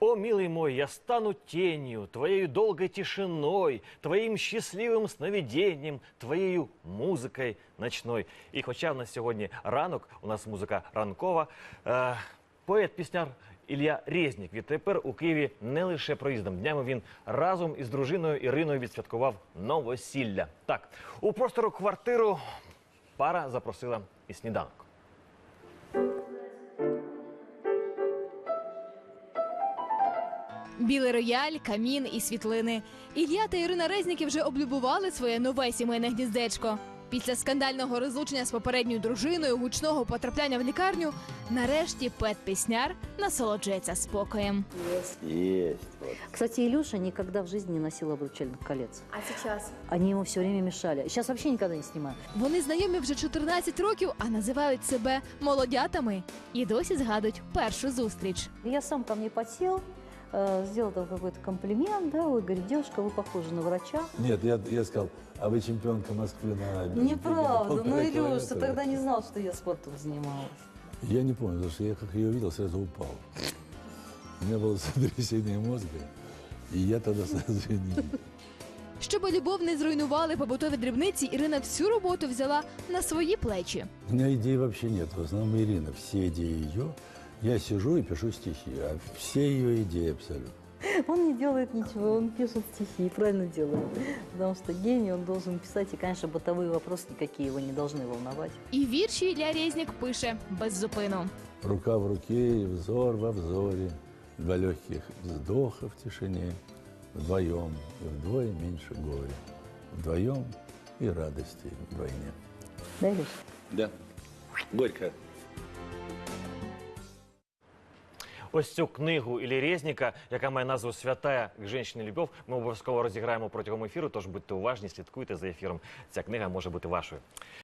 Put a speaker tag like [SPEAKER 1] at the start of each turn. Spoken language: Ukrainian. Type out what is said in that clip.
[SPEAKER 1] О, милый мой, я стану тенью, твоею долгой тишиной, твоїм щасливим сновидінням, твоєю музикою ночною. І хоча в нас сьогодні ранок, у нас музика ранкова, поет-пісняр Ілля Резнік відтепер у Києві не лише проїздом. Днями він разом із дружиною Іриною відсвяткував новосілля. Так, у простору квартиру пара запросила і сніданок.
[SPEAKER 2] Білий рояль, камін і світлини. Ілля та Ірина Резніки вже облюбували своє нове сімейне гніздечко. Після скандального розлучення з попередньою дружиною, гучного потрапляння в лікарню, нарешті пет-пісняр насолоджується спокоєм.
[SPEAKER 3] Есть. Вот.
[SPEAKER 4] Кстати, Илюша никогда в жизни не носил обручальных колец.
[SPEAKER 5] А сейчас?
[SPEAKER 4] Они ему все время мешали. Сейчас вообще никогда не снимаю.
[SPEAKER 2] Вони знайомі вже 14 років, а називають себе молодятами. І досі згадують першу зустріч.
[SPEAKER 4] Я сам ко мне подсел, сделал там какой-то комплимент, да, ой, говорит, девушка, вы похожи на врача.
[SPEAKER 3] Нет, я сказал, а вы чемпионка Москвы на...
[SPEAKER 4] Неправда, ну, Илюш, ты
[SPEAKER 3] километра.
[SPEAKER 4] тогда не знал, что я спортом занималась.
[SPEAKER 3] Я не помню, потому что я как ее увидел, сразу упал. У меня было сотрясение мозга, и я тогда сразу не...
[SPEAKER 2] Щоби любов не зруйнували побутові дрібниці, Ірина всю роботу взяла на свої плечі.
[SPEAKER 3] У меня идей вообще нет, в основном Ирина. Все идеи ее. Я сижу и пишу стихи, а все ее идеи абсолютно.
[SPEAKER 4] Он не делает ничего, он пишет стихи, и правильно делает. Потому что гений, он должен писать, и, конечно, бытовые вопросы никакие его не должны волновать.
[SPEAKER 2] І вірші Ілля Резнік пише без зупину.
[SPEAKER 3] Рука в руке и взор во взоре, два легких вздоха в тишине, вдвоем и вдвое меньше горя, вдвоем и радости вдвойне.
[SPEAKER 4] Да, Илюш?
[SPEAKER 3] Да. Горько.
[SPEAKER 1] Ось цю книгу Іллі Резніка, яка має назву «Святая к женщине любов», ми обов'язково розіграємо протягом ефіру, тож будьте уважні, слідкуйте за ефіром. Ця книга може бути вашою.